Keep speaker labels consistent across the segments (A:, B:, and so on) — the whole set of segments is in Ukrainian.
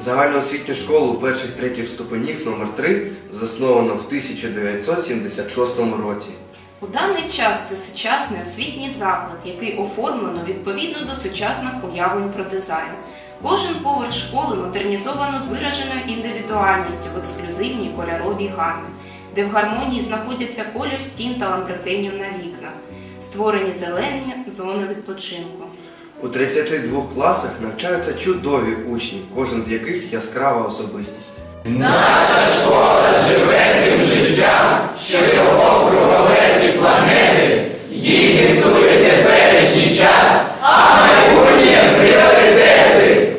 A: Загальноосвітню школу перших-третіх ступенів номер 3 засновано в 1976 році.
B: У даний час це сучасний освітній заклад, який оформлено відповідно до сучасних уявлень про дизайн. Кожен поверх школи модернізовано з вираженою індивідуальністю в ексклюзивній кольоровій гамі, де в гармонії знаходяться колір стін та ламбрикенів на вікнах, створені зелені зони відпочинку.
A: У 32 класах навчаються чудові учні, кожен з яких яскрава особистість.
C: Наша школа живе тим життям, що його кругове ці планети, їй диктує теперішній час, а майбутнє пріоритети.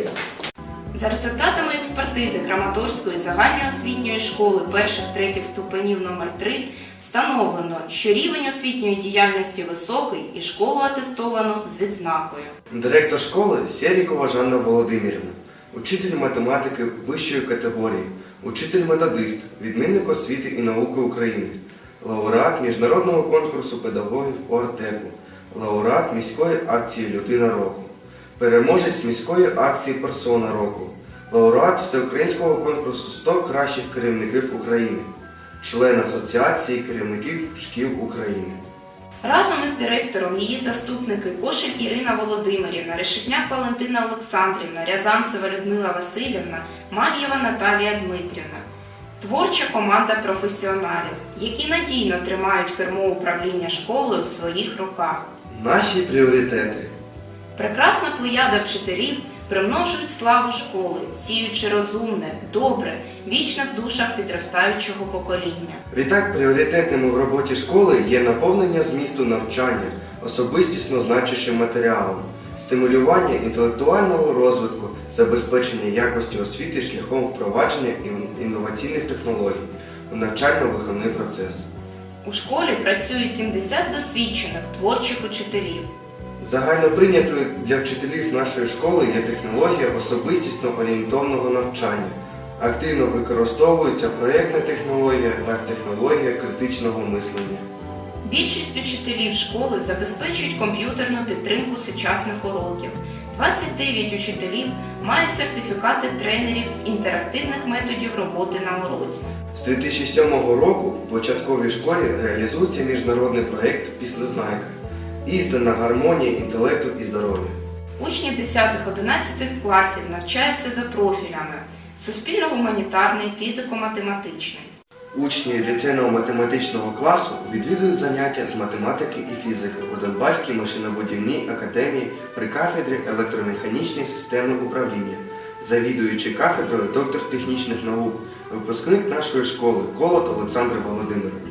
B: За результатами експертизи Краматорської загальноосвітньої школи перших-третіх ступенів номер 3 встановлено, що рівень освітньої діяльності високий і школу атестовано з відзнакою.
A: Директор школи Серікова Жанна Володимирівна, учитель математики вищої категорії, учитель-методист, відмінник освіти і науки України, лауреат міжнародного конкурсу педагогів ОРТЕКу, лауреат міської акції «Людина року», переможець міської акції «Персона року», лауреат всеукраїнського конкурсу «100 кращих керівників України», член Асоціації керівників шкіл України.
B: Разом із директором її заступники Кошель Ірина Володимирівна, Решетняк Валентина Олександрівна, Рязанцева Людмила Васильівна, Мальєва Наталія Дмитрівна. Творча команда професіоналів, які надійно тримають кермо управління школою в своїх руках.
A: Наші пріоритети.
B: Прекрасна плеяда вчителів примножують славу школи, сіючи розумне, добре, вічне в душах підростаючого покоління.
A: Відтак, пріоритетним в роботі школи є наповнення змісту навчання, особистісно значущим матеріалом, стимулювання інтелектуального розвитку, забезпечення якості освіти шляхом впровадження інноваційних технологій у навчально-виховний процес. У
B: школі працює 70 досвідчених творчих учителів.
A: Загально прийнятою для вчителів нашої школи є технологія особистісно-орієнтовного навчання. Активно використовується проєктна технологія та технологія критичного мислення.
B: Більшість учителів школи забезпечують комп'ютерну підтримку сучасних уроків. 29 учителів мають сертифікати тренерів з інтерактивних методів роботи на уроці.
A: З 2007 року в початковій школі реалізується міжнародний проєкт «Післезнайка» – істинна гармонія інтелекту і здоров'я.
B: Учні 10-11 класів навчаються за профілями суспільно-гуманітарний, фізико-математичний.
A: Учні ліцейно-математичного класу відвідують заняття з математики і фізики у Донбаській машинобудівній академії при кафедрі електромеханічної системи управління, завідуючий кафедрою доктор технічних наук, випускник нашої школи Колот Олександр Володимирович.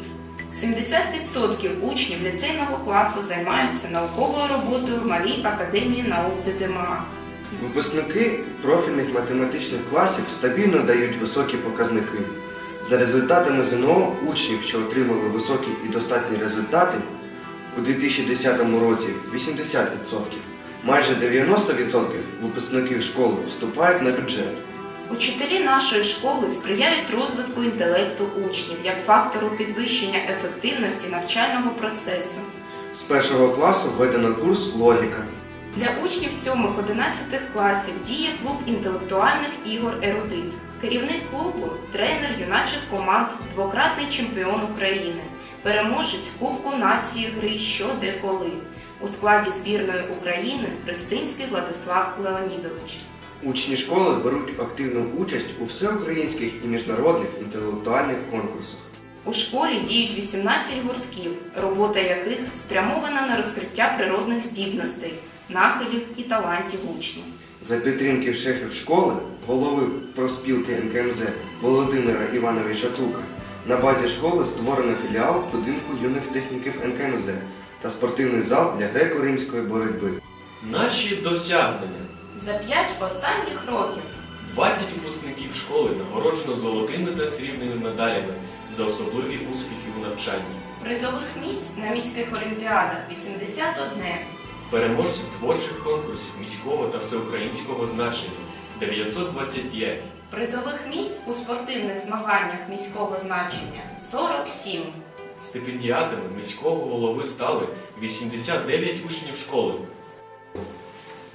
B: 70% учнів ліцейного класу займаються науковою роботою в Малій академії наук ДДМА.
A: Випускники профільних математичних класів стабільно дають високі показники. За результатами ЗНО учнів, що отримали високі і достатні результати, у 2010 році 80%, майже 90% випускників школи вступають на бюджет.
B: Учителі нашої школи сприяють розвитку інтелекту учнів як фактору підвищення ефективності навчального процесу.
A: З першого класу введено курс «Логіка».
B: Для учнів 7-11 класів діє клуб інтелектуальних ігор «Ерудит». Керівник клубу – тренер юначих команд, двократний чемпіон України, переможець Кубку нації гри «Що, де, коли». У складі збірної України Пристинський Владислав Леонідович.
A: Учні школи беруть активну участь у всеукраїнських і міжнародних інтелектуальних конкурсах.
B: У школі діють 18 гуртків, робота яких спрямована на розкриття природних здібностей, нахилів і талантів учнів.
A: За підтримки шефів школи, голови профспілки НКМЗ Володимира Івановича Тука, на базі школи створено філіал будинку юних техніків НКМЗ та спортивний зал для греко-римської боротьби.
D: Наші досягнення.
B: За 5 останніх років
D: 20 випускників школи нагороджено золотими та срібними медалями за особливі успіхи у навчанні.
B: Призових місць на міських олімпіадах 81.
D: Переможців творчих конкурсів міського та всеукраїнського значення 925.
B: Призових місць у спортивних змаганнях міського значення 47.
D: Стипендіатами міського голови стали 89 учнів школи.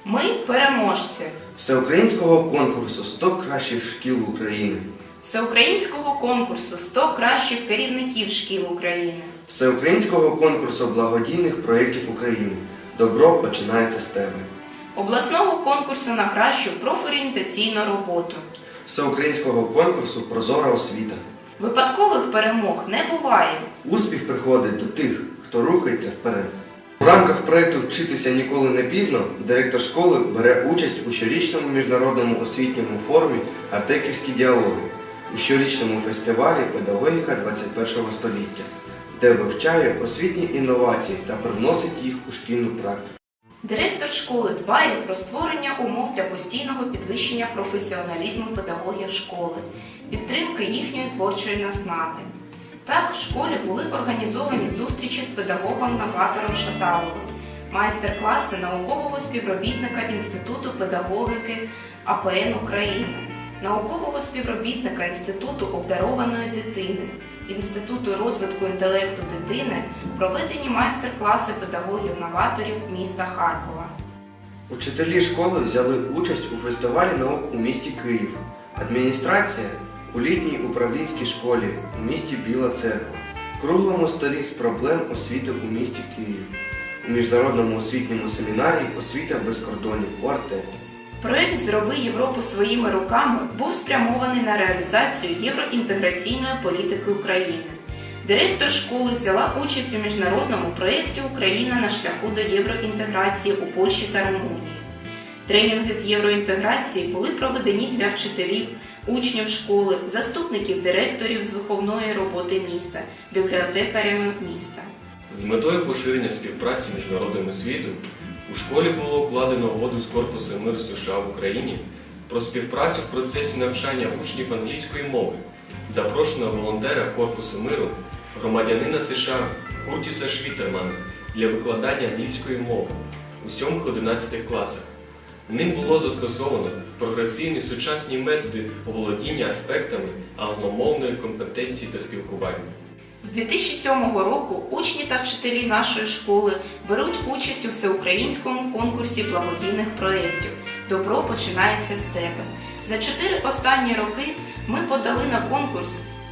B: Ми переможці
A: Всеукраїнського конкурсу «100 кращих шкіл України»,
B: всеукраїнського конкурсу «100 кращих керівників шкіл України»,
A: Всеукраїнського конкурсу благодійних проєктів України «Добро починається з тебе»,
B: обласного конкурсу на кращу профорієнтаційну роботу.
A: Всеукраїнського конкурсу «Прозора освіта».
B: Випадкових перемог не буває.
A: Успіх приходить до тих, хто рухається вперед. У рамках проєкту «Вчитися ніколи не пізно» директор школи бере участь у щорічному міжнародному освітньому форумі «Артеківські діалоги», у щорічному фестивалі «Педагогіка 21 століття», де вивчає освітні інновації та привносить їх у шкільну практику.
B: Директор школи дбає про створення умов для постійного підвищення професіоналізму педагогів школи, підтримки їхньої творчої наснади. Так, в школі були організовані зустрічі з педагогом-новатором Шаталовим, майстер-класи наукового співробітника Інституту педагогіки АПН України, наукового співробітника Інституту обдарованої дитини, Інституту розвитку інтелекту дитини, проведені майстер-класи педагогів-новаторів міста Харкова.
A: Учителі школи взяли участь у фестивалі наук у місті Київ, адміністрація у літній управлінській школі у місті Біла Церква, круглому столі з проблем освіти у місті Київ, у міжнародному освітньому семінарі «Освіта без кордонів» у Артеку.
B: Проект «Зроби Європу своїми руками» був спрямований на реалізацію євроінтеграційної політики України. Директор школи взяла участь у міжнародному проєкті «Україна на шляху до євроінтеграції» у Польщі та Румунії. Тренінги з євроінтеграції були проведені для вчителів, учнів школи, заступників директорів з виховної роботи міста, бібліотекарями міста.
D: З метою поширення співпраці між народами світу у школі було укладено угоду з Корпусом миру США в Україні про співпрацю в процесі навчання учнів англійської мови. Запрошено волонтера Корпусу миру, громадянина США Куртіса Швітермана для викладання англійської мови у 7-11 класах. Ним було застосовано прогресивні сучасні методи оволодіння аспектами англомовної компетенції та спілкування.
B: З 2007 року учні та вчителі нашої школи беруть участь у всеукраїнському конкурсі благодійних проєктів «Добро починається з тебе». За 4 останні роки ми подали на конкурс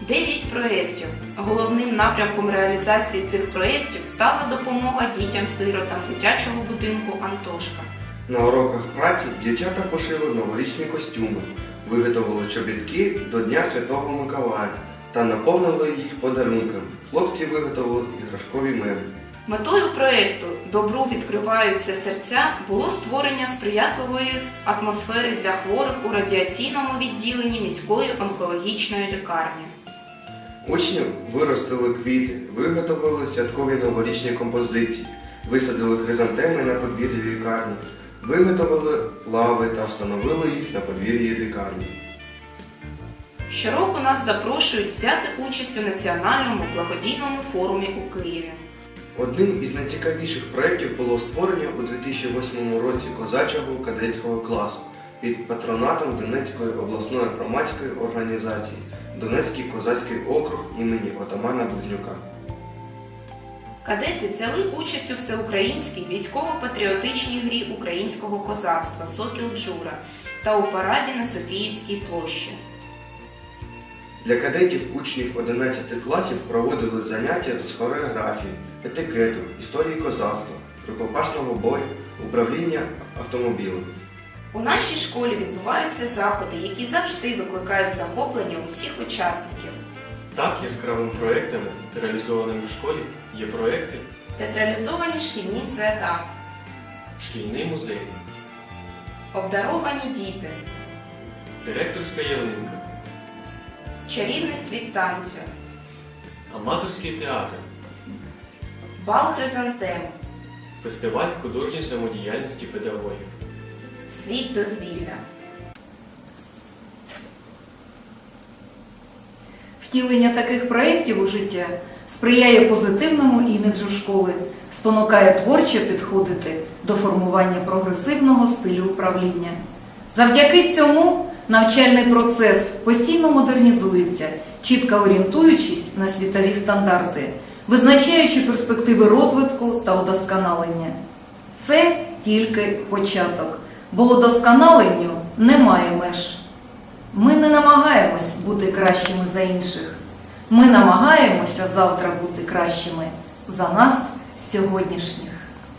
B: 9 проєктів. Головним напрямком реалізації цих проєктів стала допомога дітям-сиротам дитячого будинку «Антошка».
A: На уроках праці дівчата пошили новорічні костюми, виготовили чобітки до Дня Святого Миколая та наповнили їх подарунками. Хлопці виготовили іграшкові меблі.
B: Метою проєкту «Добру відкриваються серця» було створення сприятливої атмосфери для хворих у радіаційному відділенні міської онкологічної лікарні.
A: Учні виростили квіти, виготовили святкові новорічні композиції, висадили хризантеми на подвір'ї лікарні, виготовили лави та встановили їх на подвір'ї лікарні.
B: Щороку нас запрошують взяти участь у національному благодійному форумі у Києві.
A: Одним із найцікавіших проєктів було створення у 2008 році козачого кадетського класу під патронатом Донецької обласної громадської організації «Донецький козацький округ імені отамана Близнюка».
B: Кадети взяли участь у всеукраїнській військово-патріотичній грі українського козацтва «Сокіл Джура» та у параді на Софіївській площі.
A: Для кадетів учнів 11 класів проводили заняття з хореографії, етикету, історії козацтва, рукопашного бою, управління автомобілем.
B: У нашій школі відбуваються заходи, які завжди викликають захоплення усіх учасників.
D: Так, яскравими проєктами, реалізованими в школі, є проєкти
B: Театралізовані шкільні свята,
D: «Шкільний музей»,
B: обдаровані діти,
D: «Директорська ялинка»,
B: чарівний світ танцю,
D: аматорський театр,
B: бал хризантем,
D: фестиваль художньої самодіяльності педагогів.
B: світ дозвілля.
E: Втілення таких проєктів у життя сприяє позитивному іміджу школи, спонукає творчо підходити до формування прогресивного стилю управління. Завдяки цьому навчальний процес постійно модернізується, чітко орієнтуючись на світові стандарти, визначаючи перспективи розвитку та удосконалення. Це тільки початок. бо удосконаленню немає меж. Ми не намагаємось бути кращими за інших. Ми намагаємося завтра бути кращими за нас сьогоднішніх.